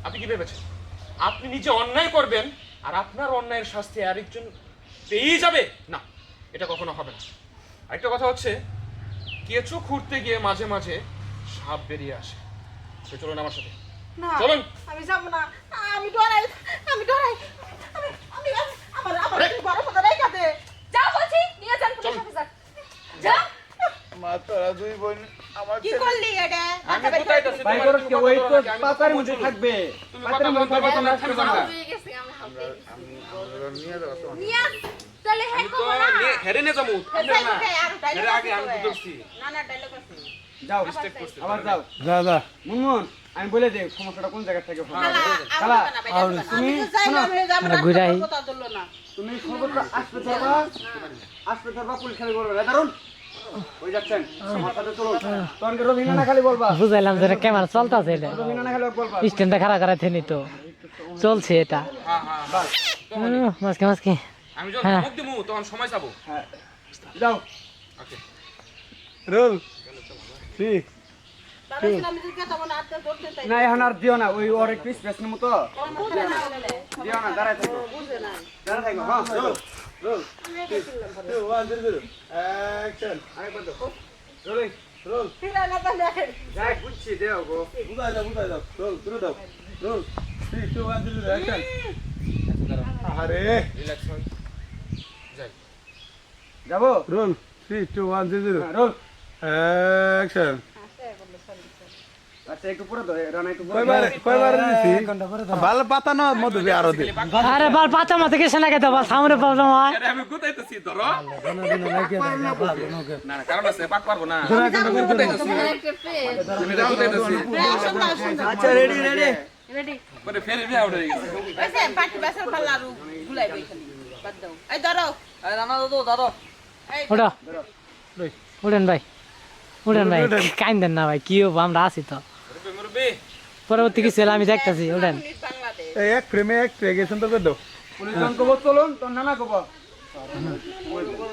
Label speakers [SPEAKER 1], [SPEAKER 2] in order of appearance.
[SPEAKER 1] আপনি কি ভেবেছেন আপনি নিজে অন্যায় করবেন আর আপনার অন্যায়ের শাস্তি আরেকজন পেয়েই যাবে? না, এটা কখনো হবে না। আরেকটা কথা হচ্ছে, কেঁচো খুঁড়তে গিয়ে মাঝে মাঝে সাপ বেরিয়ে আসে। তো চলুন আমার সাথে,
[SPEAKER 2] না
[SPEAKER 1] চলুন।
[SPEAKER 2] আমি যাব না, আমি ডরাই, আমি ডরাই, আমি আমি আমার আমার
[SPEAKER 1] আরে!
[SPEAKER 2] বড় কথা নাই কাছে যাও বলছি, নিয়ে যান পুলিশ অফিসার। যাও।
[SPEAKER 3] মা তোরা দুই বোন আমার
[SPEAKER 2] কি করলি এটা?
[SPEAKER 1] আমি কোথায় যাচ্ছি?
[SPEAKER 4] ভাই
[SPEAKER 1] তোমার
[SPEAKER 4] করো
[SPEAKER 1] তুমি
[SPEAKER 4] কি
[SPEAKER 1] কথা
[SPEAKER 4] ওই
[SPEAKER 1] বলো
[SPEAKER 4] তো
[SPEAKER 1] নাকি? আমি
[SPEAKER 4] পাতার
[SPEAKER 1] কথা
[SPEAKER 4] মধ্যে
[SPEAKER 1] বলছি।
[SPEAKER 4] থাকবে
[SPEAKER 1] তুমি
[SPEAKER 4] পাতার
[SPEAKER 1] কথা
[SPEAKER 4] মধ্যে
[SPEAKER 1] বলতে
[SPEAKER 4] থাকবে
[SPEAKER 1] বলতে
[SPEAKER 4] তোমরা
[SPEAKER 1] থামবে না।
[SPEAKER 2] হয়ে গেছে আমরা হাতে
[SPEAKER 3] আমরা নিয়ে যাবো তোমার
[SPEAKER 2] নিয়ে চলে হে
[SPEAKER 1] আমি তো
[SPEAKER 2] কো না
[SPEAKER 1] হেরে নিয়ে যাবো।
[SPEAKER 2] হেসাই কোথায় আর ডায়লগ
[SPEAKER 1] এর আগে আমি তো ধরছি।
[SPEAKER 2] না না ডায়লগ আছে
[SPEAKER 4] যাও
[SPEAKER 1] Mistake করছি।
[SPEAKER 4] আবার যাও
[SPEAKER 3] যা যা
[SPEAKER 4] মুনমুন আমি বলে দেই সমস্যাটা কোন জায়গা থেকে হবে
[SPEAKER 2] খালা
[SPEAKER 4] খালা,
[SPEAKER 2] আমি
[SPEAKER 4] তুমি
[SPEAKER 2] যাইলাম হে আমরা
[SPEAKER 5] ঘুরাই।
[SPEAKER 2] কথা ধরলো না
[SPEAKER 4] তুমি সর্বত্র আসতে ধরবা পুলিশ খালি বলবে দারুন ওই যাচ্ছেন আমার সাথে চলো তখন রবিনা না খালি বলবা
[SPEAKER 5] বুঝাইলাম যে ক্যামেরা চলতেছে এটা
[SPEAKER 4] রবিনা না খালি বলবা
[SPEAKER 5] স্ট্যান্ডটা খারাপ করাতে নি তো চলছে এটা
[SPEAKER 1] হ্যাঁ হ্যাঁ হ্যাঁ।
[SPEAKER 5] মাঝকে মাঝকে
[SPEAKER 1] আমি যখন
[SPEAKER 5] হ্যাঁ।
[SPEAKER 1] ধমক দিমু তখন সময় যাবো।
[SPEAKER 4] হ্যাঁ যাও
[SPEAKER 1] ওকে।
[SPEAKER 3] রোল সি
[SPEAKER 2] তাহলে আমি যদি কথা বলে আটটা ধরতে চাই
[SPEAKER 4] না এখন আর দিও না ওই ওর একটু স্পেসের মতো দিও না দাঁড়ায় থাকো
[SPEAKER 2] বুঝে না
[SPEAKER 4] দাঁড়ায় থাকো হ্যাঁ রোল রোল
[SPEAKER 3] 1 0 অ্যাকশন
[SPEAKER 4] আরেকবার দাও রোলিং
[SPEAKER 3] রোল
[SPEAKER 2] ফিরা না তাহলে
[SPEAKER 4] যাই বুঝছি দেও গো
[SPEAKER 3] বুঝাই দাও রোল শুরু দাও রোল 3 2 1 0 অ্যাকশন আরে
[SPEAKER 1] রিল্যাক্স হন। যাই।
[SPEAKER 4] যাবো
[SPEAKER 3] রোল 3 2 1 0
[SPEAKER 4] হ্যাঁ, রোল
[SPEAKER 3] অ্যাকশন
[SPEAKER 4] আচ্ছা একটু পরে দাও রানা একটু পরে
[SPEAKER 3] কয়বার দিছি ভালো পাতা না মধু আরো দি
[SPEAKER 5] আরে বাল পাতা মাথা কিছু না খেতে বাস সামনে প্রবলেম হয়
[SPEAKER 1] আরে আমি গুতাইতেছি ধরো। না না কারণ আছে পাক পারবো না। তুমি এটা গুতাইতেছি।
[SPEAKER 4] আচ্ছা রেডি রেডি
[SPEAKER 2] রেডি
[SPEAKER 1] পরে ফের রিয়া উঠে গেছে।
[SPEAKER 2] ওইসে পাটি বাসার পাল্লারু গুলাই বই খালি বাদ দাও এই ধরো এই রানা দাদু ধরো এই
[SPEAKER 5] ওটা উঠেন ভাই উঠেন ভাই কাইন্দেন না ভাই কি হবো আমরা আছি তো
[SPEAKER 1] মুরব্বি মুরব্বি
[SPEAKER 5] পরবর্তী কিছু হলে আমি দেখতেছি উঠেন
[SPEAKER 2] পুলিশ বাংলাদেশ
[SPEAKER 3] এক ফ্রেমে এক ট্রেগেশন তো করে দাও
[SPEAKER 4] পুলিশ জন কব চলুন তোর নানা কব